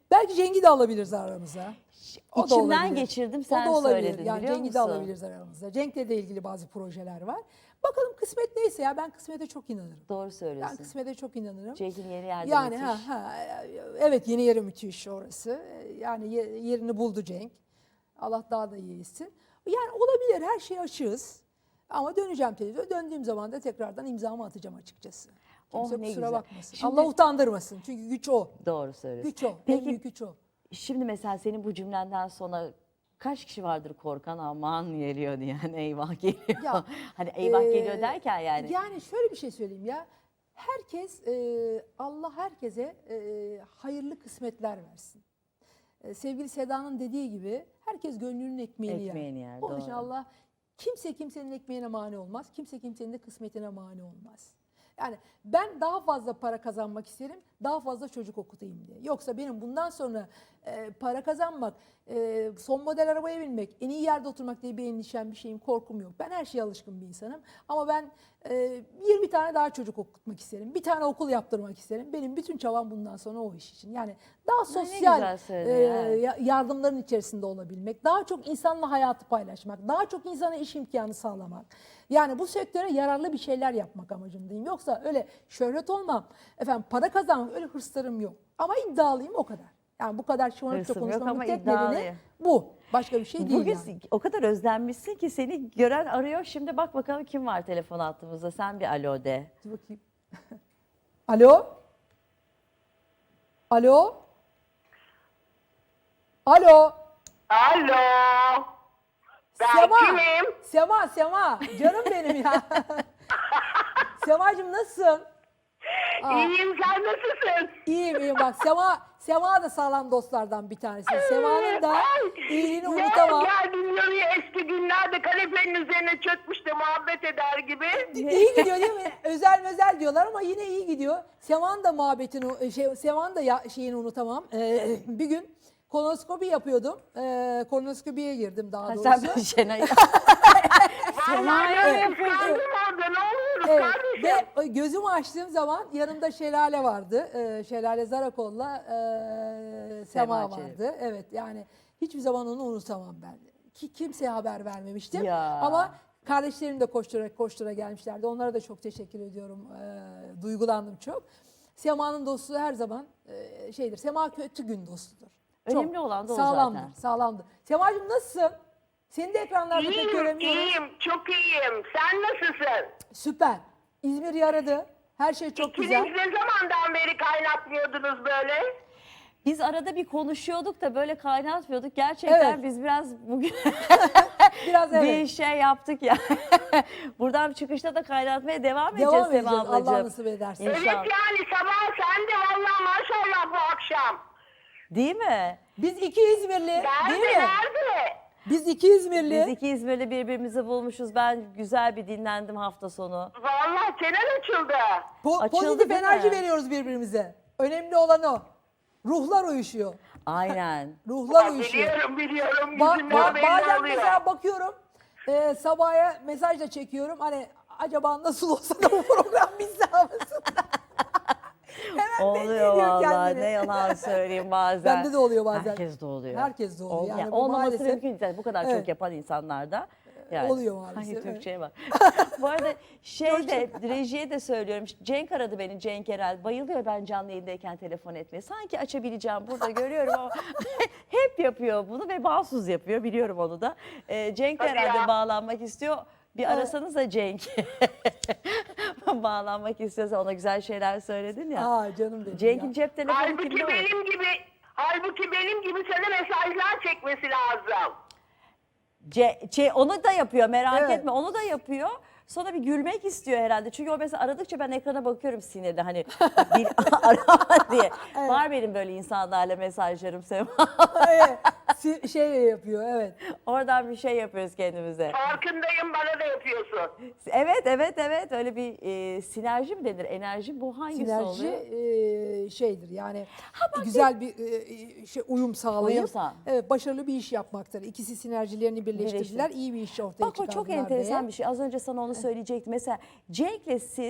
Belki Cenk'i de alabiliriz aramıza. O da İçimden olabilir. geçirdim, O sen da olabilir. söyledin, Yani biliyor Cenk'i de musun? alabiliriz aramıza. Cenk'le de ilgili bazı projeler var. Bakalım kısmet neyse ya, ben kısmete çok inanırım. Doğru Ben söylüyorsun. kısmete çok inanırım. Cenk'in yeri yerde Yani müthiş. evet, yeni yeri müthiş orası. Yani yerini buldu Cenk. Allah daha da iyi etsin. Yani olabilir, her şeye açığız. Ama döneceğim televizyona. Döndüğüm zaman da tekrardan imzamı atacağım açıkçası. Kimse Oh, ne kusura güzel. bakmasın. Şimdi- Allah utandırmasın. Çünkü güç o. Doğru söylüyorsun. Güç o. En Peki büyük güç o. şimdi mesela senin bu cümlenden sonra kaç kişi vardır korkan, aman geliyor diyen, eyvah geliyor. Ya, Hani eyvah geliyor Ee, derken yani. Yani şöyle bir şey söyleyeyim ya. Herkes, Allah herkese hayırlı kısmetler versin. Sevgili Seda'nın dediği gibi herkes gönlünün ekmeğini yer. Onun için doğru. Allah kimsenin ekmeğine mani olmaz. Kimse kimsenin de kısmetine mani olmaz. Yani ben daha fazla para kazanmak isterim, daha fazla çocuk okutayım diye. Yoksa benim bundan sonra para kazanmak, son model arabaya binmek, en iyi yerde oturmak diye bir endişem, bir şeyim, korkum yok. Ben her şeye alışkın bir insanım. Ama ben 20 tane daha çocuk okutmak isterim. Bir tane okul yaptırmak isterim. Benim bütün çabam bundan sonra o iş için. Yani daha sosyal güzel söyledin, yardımların içerisinde olabilmek, daha çok insanla hayatı paylaşmak, daha çok insana iş imkanı sağlamak. Yani bu sektöre yararlı bir şeyler yapmak amacındayım. Yoksa öyle şöhret olmam, efendim para kazanmam, öyle hırslarım yok. Ama iddialıyım, o kadar. Yani bu kadar şımarıkça Hırsım yok konuşmamın ama tek iddialıyım. nedeni bu. Başka bir şey değil Bugün yani. o kadar özlenmişsin ki seni gören arıyor. Şimdi bak bakalım kim var telefon attığımızda. Sen bir alo de. Dur bakayım. Alo? Alo? Alo? Alo. Ben Sema. kimim? Sema. Canım benim ya. Semacığım nasılsın? İyiyim, sen nasılsın? İyiyim bak, Sema da sağlam dostlardan bir tanesi. Sema'nın da iyiliğini Ne unutamam. geldin oraya, eski günlerde kanepenin üzerine çökmüş de muhabbet eder gibi. İyi gidiyor değil mi? Özel diyorlar ama yine iyi gidiyor. Sema'nın da muhabbetini, Sema'nın da şeyini unutamam. Bir gün kolonoskopi yapıyordum. Kolonoskopiye girdim daha doğrusu. Sen bir Şenay. Vallahi evet. ıslandım orada, ne oluyoruz Evet, kardeşim? ve gözümü açtığım zaman yanımda Şelale vardı. Şelale Zarakol'la Sema Çelebi. vardı. Evet, yani hiçbir zaman onu unutamam ben. Ki kimseye haber vermemiştim. Ya. Ama kardeşlerim de koştura gelmişlerdi. Onlara da çok teşekkür ediyorum. Duygulandım çok. Sema'nın dostluğu her zaman şeydir. Sema kötü gün dostudur. Önemli olan da o sağlamdır, zaten. Sağlamdır. Sema'cığım nasılsın? Seni de ekranlarda pek göremiyoruz. İyiyim, çok iyiyim. Sen nasılsın? Süper. İzmir yaradı. Her şey çok İkiniz güzel. ne zamandan beri kaynatmıyordunuz böyle? Biz arada bir konuşuyorduk da böyle kaynatmıyorduk. Gerçekten Evet. biz biraz bugün Biraz bir evet. şey yaptık ya. Buradan çıkışta da kaynatmaya devam edeceğiz Devam Sema edeceğiz. Allah ablacığım. nasip ederse. İnşallah. Evet, yani sabah sen de vallahi maşallah bu akşam. Değil mi? Biz iki İzmirli, değil Nerede, mi? nerede? Biz iki İzmirli. Biz iki İzmir'de birbirimizi bulmuşuz. Ben güzel bir dinlendim hafta sonu. Vallahi çenen açıldı. Açıldı Pozitif değil mi? enerji veriyoruz birbirimize. Önemli olan o. Ruhlar uyuşuyor. Aynen. Ruhlar uyuşuyor. Biliyorum. Ba- Yüzünden belli bazen oluyor. mesela bakıyorum, sabaha mesaj da çekiyorum. Hani acaba nasıl olsa da bu program bizde havasında. Hemen belli Oluyor ediyor vallahi, kendini. ne yalan söyleyeyim bazen. Bende de oluyor bazen. Herkes de oluyor. Herkes de oluyor. Yani bu olmaması maalesef- mümkün değil. Bu kadar çok Evet. yapan insanlarda. Oluyor maalesef, Hangi evet. Türkçe'ye bak. Bu arada rejiye de söylüyorum. Cenk aradı beni, Cenk Erel. Bayılıyor ben canlı yayındayken telefon etmeye. Sanki açabileceğim burada görüyorum ama hep yapıyor bunu ve bağımsız yapıyor. Biliyorum onu da. Cenk Hadi herhalde ya. bağlanmak istiyor. Bir arasanız da Cenk. Bağlanmak istiyorsa, ona güzel şeyler söyledin ya. Aa, canım benim Cenk'in ya. cep telefonu Halbuki kimde olur? halbuki benim gibi sana mesajlar çekmesi lazım. Onu da yapıyor, merak Evet. etme, onu da yapıyor. Sonra bir gülmek istiyor herhalde. Çünkü o mesela aradıkça ben ekrana bakıyorum sinirli, hani bir arama diye. Evet. Var benim böyle insanlarla mesajlarım Sema. Evet, şey yapıyor, evet. Oradan bir şey yapıyoruz kendimize. Farkındayım, bana da yapıyorsun. Evet, öyle bir sinerji mi denir, enerji, bu hangisi Sinerji oluyor? şeydir yani güzel bir uyum sağlayıp Uyum sağ. evet, başarılı bir iş yapmaktır. İkisi sinerjilerini birleştirdiler, iyi bir iş ortaya Bak o çok çıkardılar enteresan diye. bir şey. Az önce sana onu söyleyecektim. Mesela Cenk'le siz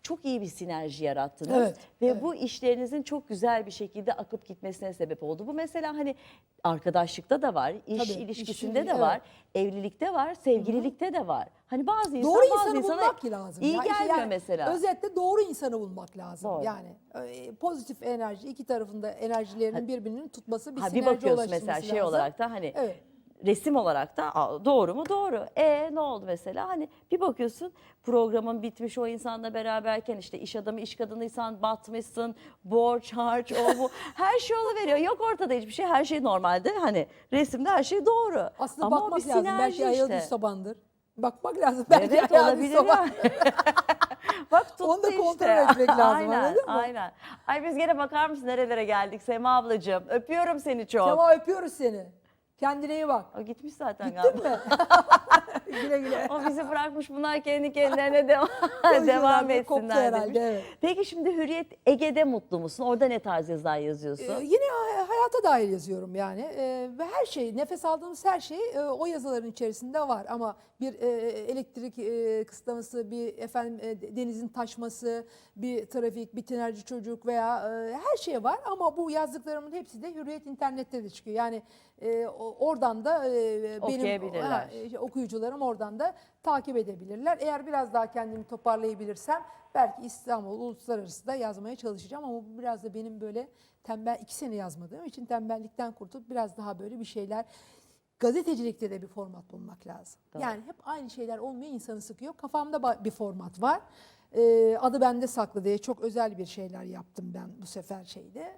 çok iyi bir sinerji yarattınız. Evet, Ve evet. bu işlerinizin çok güzel bir şekilde akıp gitmesine sebep oldu. Bu mesela hani arkadaşlıkta da var, iş Tabii, ilişkisinde işin- de evet. var, evlilikte var, sevgililikte de var. Hani bazı insan Doğru bazı insanı insana bulmak lazım. iyi Ya işte gelmiyor yani mesela. Özetle doğru insanı bulmak lazım. Doğru. Yani pozitif enerji, iki tarafında enerjilerinin birbirini tutması, bir Ha, bir sinerji bakıyorsun ulaştırması mesela şey lazım. olarak da hani Evet. resim olarak da doğru mu? Doğru. Ne oldu mesela? Hani bir bakıyorsun programın bitmiş, o insanla beraberken işte iş adamı iş kadınıysan batmışsın, borç harç o bu her şey oluveriyor. Yok ortada hiçbir şey, her şey normalde, hani resimde her şey doğru. Aslında Ama o bakmak bir lazım. sinerji Belki ayağı işte. düz tabandır. Bakmak lazım. Belki Evet, ayağı düz olabilir taban. ya. Bak tuttu Onu da işte. kontrol etmek lazım, Aynen, anladın mı? aynen. Ay biz gene bakar mısın nerelere geldik Sema ablacığım. Öpüyorum seni çok. Sema öpüyoruz seni. Kendine iyi bak. O gitmiş zaten Gittin galiba. mi? Güle güle. O bizi bırakmış, bunlar kendi kendilerine devam Konuşuyorlar, koptu etsinler herhalde, demiş. evet. Peki şimdi Hürriyet Ege'de mutlu musun? Orada ne tarz yazılar yazıyorsun? Yine hayata dair yazıyorum yani. Ve her şey, nefes aldığımız her şey o yazıların içerisinde var. Ama bir elektrik kısıtlaması, bir denizin taşması, bir trafik, bir tinerci çocuk veya her şey var. Ama bu yazdıklarımın hepsi de Hürriyet internette de çıkıyor. Yani oradan da benim Okuyabilirler. okuyucularım oradan da takip edebilirler. Eğer biraz daha kendimi toparlayabilirsem belki İstanbul, uluslararası da yazmaya çalışacağım. Ama bu biraz da benim böyle 2 sene yazmadığım için tembellikten kurtulup biraz daha böyle bir şeyler. Gazetecilikte de bir format bulmak lazım. Doğru. Yani hep aynı şeyler olmuyor, insanı sıkıyor. Kafamda bir format var. Adı bende saklı diye çok özel bir şeyler yaptım ben bu sefer şeyde.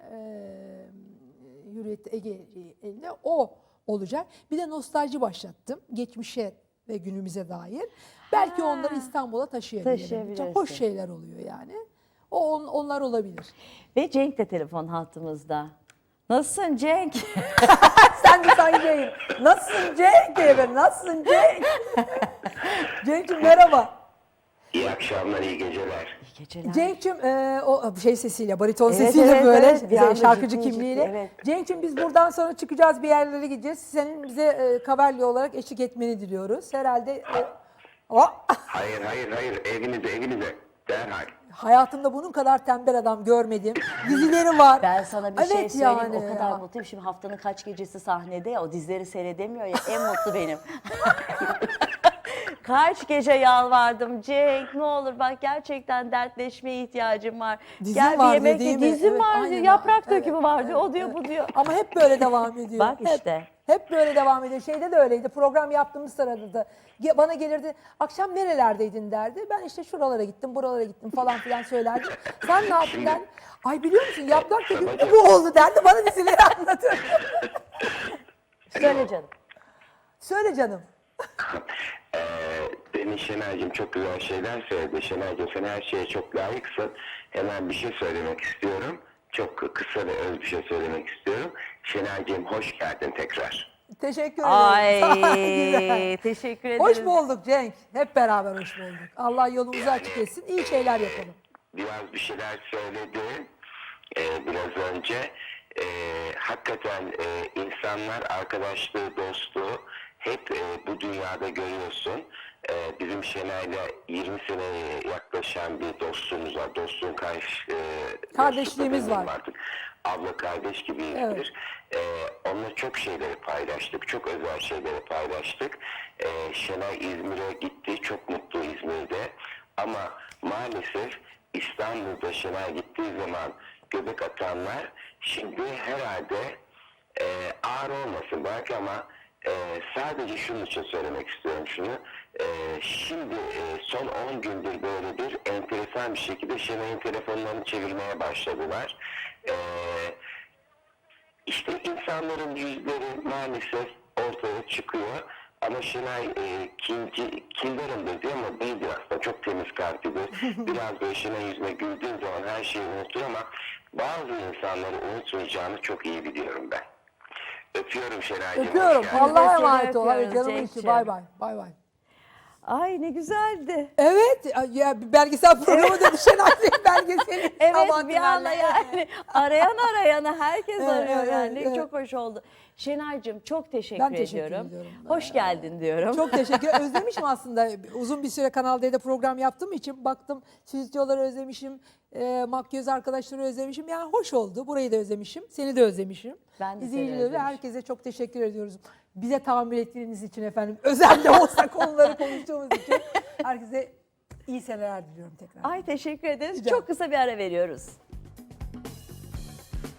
Hürriyet Ege'de o olacak. Bir de nostalji başlattım. Geçmişe ve günümüze dair. Belki onları İstanbul'a taşıyabilirim. Taşıyabilirsin. Çok hoş şeyler oluyor yani. Onlar olabilir. Ve Cenk de telefon hattımızda. Nasılsın Cenk? Sen de Cenk'im. Nasılsın Cenk diye ben. Nasılsın Cenk? Cenk'cim merhaba. İyi akşamlar, iyi geceler. İyi geceler. Cenk'cim o şey sesiyle, bariton Evet, sesiyle evet, böyle evet. Bir anda şarkıcı ciddi, kimliğiyle. ciddi, evet. Cenk'cim biz buradan sonra çıkacağız, bir yerlere gideceğiz. Senin bize Kaverli olarak eşlik etmeni diliyoruz. Herhalde Hayır, evinize, derhal. hayatımda bunun kadar tembel adam görmedim. Dizileri var. Ben sana bir şey Evet söyleyeyim. yani O kadar ya. mutluyum. Şimdi haftanın kaç gecesi sahnede ya, o dizileri seyredemiyor ya. En mutlu benim. Kaç gece yalvardım Cenk, ne olur bak, gerçekten dertleşmeye ihtiyacım var. Dizim Gel bir var yemek değil ye. mi? Dizim Evet, var aynen diyor. öyle. Yaprak Evet, dökümü var diyor. O evet, diyor, evet. bu diyor. Ama hep böyle devam ediyor. Bak işte. Hep böyle devam ediyor. Şeyde de öyleydi. Program yaptığımız sırada da bana gelirdi. Akşam nerelerdeydin derdi. Ben işte şuralara gittim, buralara gittim falan filan söylerdim. Sen ne yaptın derdi. Ay biliyor musun yaprak dökümü bu oldu derdi. Bana dizileri anlatır. Söyle canım. Söyle canım. Demin Şenay'cığım çok güzel şeyler söyledi. Şenay'cığım sen her şeye çok layıksın. Hemen bir şey söylemek istiyorum. Çok kısa ve öz bir şey söylemek istiyorum. Şenay'cığım hoş geldin tekrar. Teşekkür ederim. Güzel. Ay teşekkür ederim. Hoş bulduk Cenk. Hep beraber hoş bulduk. Allah yolumuzu açık etsin. İyi şeyler yapalım. Biraz bir şeyler söyledi biraz önce. Hakikaten insanlar arkadaşlığı, dostluğu hep bu dünyada görüyorsun. Bizim Şenay'la 20 seneye yaklaşan bir dostluğumuz var. Dostluğun Kardeşliğimiz var. Artık. Abla kardeş gibiyizdir. Onunla çok şeyleri paylaştık. Çok özel şeyleri paylaştık. Şenay İzmir'e gitti. Çok mutlu İzmir'de. Ama maalesef İstanbul'da Şenay gittiği zaman göbek atanlar şimdi herhalde ağır olmasın belki ama sadece şunun için söylemek istiyorum şunu. Şimdi son 10 gündür böyle bir enteresan bir şekilde Şenay'ın telefonlarını çevirmeye başladılar. İşte insanların yüzleri maalesef ortaya çıkıyor. Ama Şenay kindarımdır diyor ama değildir aslında. Çok temiz kalplidir. Biraz böyle Şenay yüzüne güldüğün zaman her şeyi unutur ama bazı insanları unutmayacağını çok iyi biliyorum ben. Öpüyorum Şenay'cığım. Öpüyorum. hoş geldin. Allah'a Seni emanet ol. Hadi öpüyoruz canımın içi. Cenk'ciğim. Bay bay. Bay bay. Ay ne güzeldi. Evet ya bir belgesel programı dedi Şenay Bey belgeseli. Evet Sabahattin bir anda Ali. yani arayana herkes Evet, arıyor evet, yani. evet. Çok hoş oldu. Şenay'cığım çok teşekkür Ben teşekkür ediyorum. ediyorum. Hoş geldin diyorum. Çok teşekkür ederim. Özlemişim aslında. Uzun bir süre Kanal D'de program yaptığım için baktım stüdyoları özlemişim. Makyöz arkadaşları özlemişim. Yani hoş oldu. Burayı da özlemişim. Seni de özlemişim. Ben de seni İzleyicilere ve özlemişim. herkese çok teşekkür ediyoruz. Bize tahammül ettiğiniz için efendim. Özellikle olsa konuları konuştuğumuz için. Herkese iyi seneler diliyorum tekrar. Ay teşekkür ederiz. Rica Çok kısa bir ara veriyoruz.